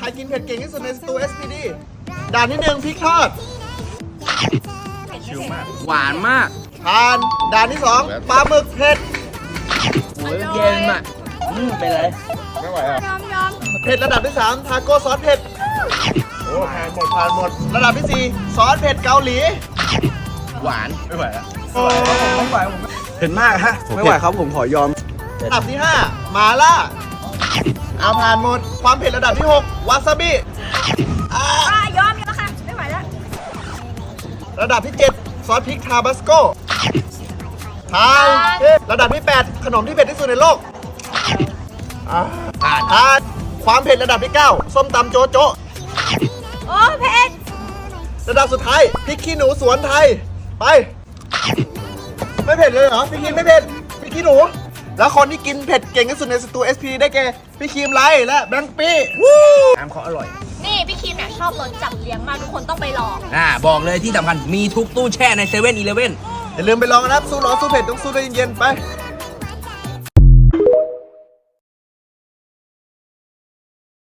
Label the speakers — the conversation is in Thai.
Speaker 1: กินเผ็ดเก่งที่สุดในสตู SPD ด่านที่1พริกทอด
Speaker 2: ชิลมาก
Speaker 3: หวานมาก
Speaker 1: ผ่านด่านที่2ปลาหมึกเผ็ด
Speaker 3: โอ้ยเย็นอ่ะเป็นไร
Speaker 2: ไม่ไหวอ่ะ
Speaker 1: เผ็ดระดับที่3ทาโก้ซอสเผ็ด
Speaker 2: โอ้ผ่านหมด
Speaker 1: ระดับที่4ซอสเผ็ดเกาหลี
Speaker 3: หวาน
Speaker 2: ไม่ไหวแล้ว
Speaker 1: ไม่ไหวผม
Speaker 4: เผ็ดมากฮะ ไม่ไหวครับผมขอยอม
Speaker 1: ระดับที่5มาล่าเอาผ่านหมดความเผ็ดระดับที่6วาซาบิอ่าย
Speaker 5: อมแล้วค่ะ ไม่ไหวแล้ว
Speaker 1: ระดับที่7ซอสพริกทาบาสโกผ่านระดับที่8ขนมที่เผ็ดที่สุดในโลกผ่านความเผ็ดระดับที่9ส้มตำโจโจ
Speaker 5: โอ้เผ็ด
Speaker 1: ระดับสุดท้ายพริกขี้หนูสวนไทยไป ไม่เผ็ดเลยเหรอพี่คิมไม่เผ็ดพริกขี้หนู แล้วคนที่กินเผ็ดเก่งที่สุดในสตู SP ได้แก่พี่คิมไลและแบงค์ปี้
Speaker 3: น้ำเขาอร่อย
Speaker 5: นี่พี่คิมเนี่ยชอบรสจับเลี้ยงมากทุกคนต้องไปลอง
Speaker 3: บอกเลยที่สำคัญมีทุกตู้แช่ในเซเว่นอีเลฟเว่น
Speaker 1: อย่าลืมไปลองนะครับสู้ร้อนสู้เผ็ดต้องสู้ด้วยเย็นๆไป